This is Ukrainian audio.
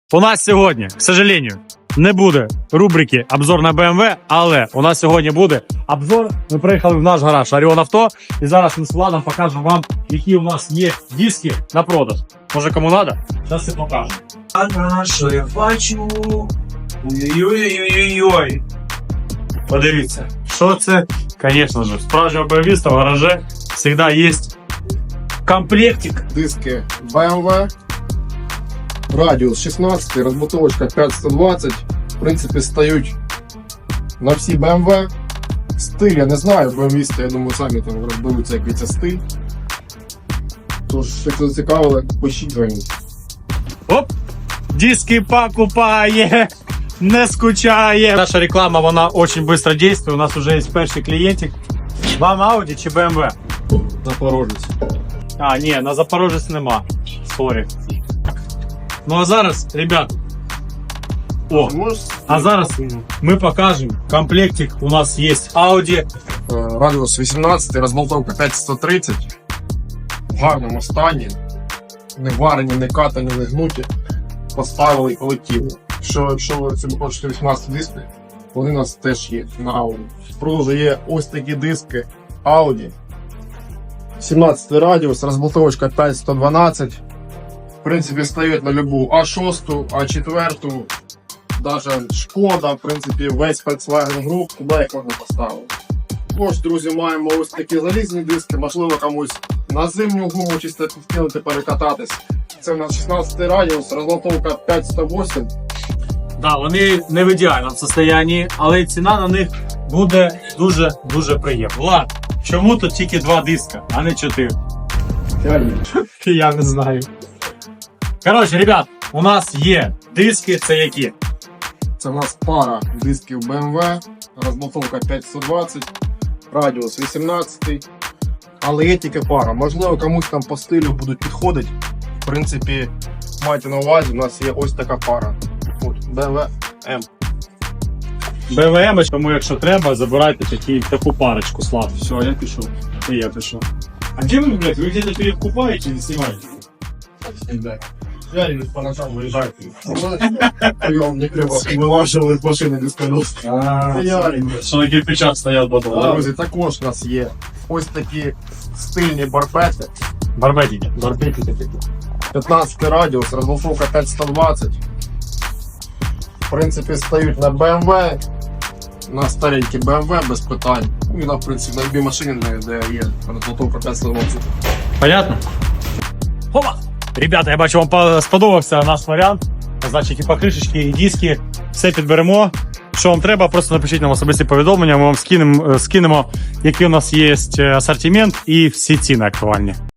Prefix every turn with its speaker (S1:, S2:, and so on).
S1: У нас сьогодні, к сожалению, не буде рубрики «Обзор на BMW», але у нас сьогодні буде обзор. Ми приїхали в наш гараж Orion Auto, і зараз ми з Владом покажемо вам, які у нас є диски на продаж. Може, кому треба? Зараз і покажемо.
S2: А що я бачу? Ой-ой-ой-ой-ой.
S1: Подивіться, що це? Звісно ж, справжнього BMW в гаражі завжди є комплектик.
S3: Диски BMW, радіус 16, розбутовочка 5120. В принципі, стають на всі BMW. Стиль, я не знаю, BMW, я думаю, самі там розберуться, який це стиль. Тож, якщо зацікавили, пишіть, дзвоніть.
S1: Оп! Диски покупає, не скучає. Наша реклама, вона дуже швидко діє. У нас вже є перший клієнтик. Вам Audi чи BMW?
S3: Запорожець.
S1: А, ні, на Запорожець нема. Сорі. Ну а зараз, ребят, а зараз ми покажемо комплектик. У нас є Audi.
S3: Радіус 18, розболтовка 5130. В гарному стані. Не варені, не катані, не гнуті. Поставили колективно. Якщо ви собі хочете 18 диски, вони у нас теж є на Audi. В продажу є ось такі диски Audi. 17 радіус, розболтовочка 5112. В принципі, стають на любу А6, А4, навіть Шкода, в принципі, весь Volkswagen Group, куди їх можна поставити. Ось, друзі, маємо ось такі залізні диски, можливо, комусь на зимню гуму чисто підкинути, перекататись. Це у нас 16 радіус, розболтовка 5108.
S1: Да, вони не в ідеальному стані, але ціна на них буде дуже приємна. Влад, чому тут тільки 2 диска, а не 4? Я не знаю. Коротше, ребят, у нас є диски, це які?
S3: Це у нас пара дисків BMW, розболтовка 5120, радіус 18, але є тільки пара. Можливо, комусь там по стилю будуть підходити. В принципі, майте на увазі, у нас є ось така пара. От, BMW M.
S1: БВМ, тому якщо треба, забирайте таку парочку, Слав.
S3: Все, я пішов.
S1: І я пішов. А де ви, блядь, ви где-то перекупаєте или знімаєте?
S3: Я не по ночам виїжджаю. Я не треба вилажували машини без колес.
S1: Що на кирпичах стоять потім.
S3: Друзі, також у нас є ось такі стильні барбети.
S1: Барбетики.
S3: 15 радіус, розболтовка 5120. В принципі, стають на BMW, на старенькі BMW без питань. І на, в принципі, на любій машині, де є розболтовка 5120.
S1: Понятно? Опа! Ребята, я бачу, вам сподобався наш варіант. Значить, і покришечки, і диски, все підберемо. Що вам треба, просто напишіть нам особисті повідомлення, ми вам скинемо, який у нас є асортимент і всі ціни актуальні.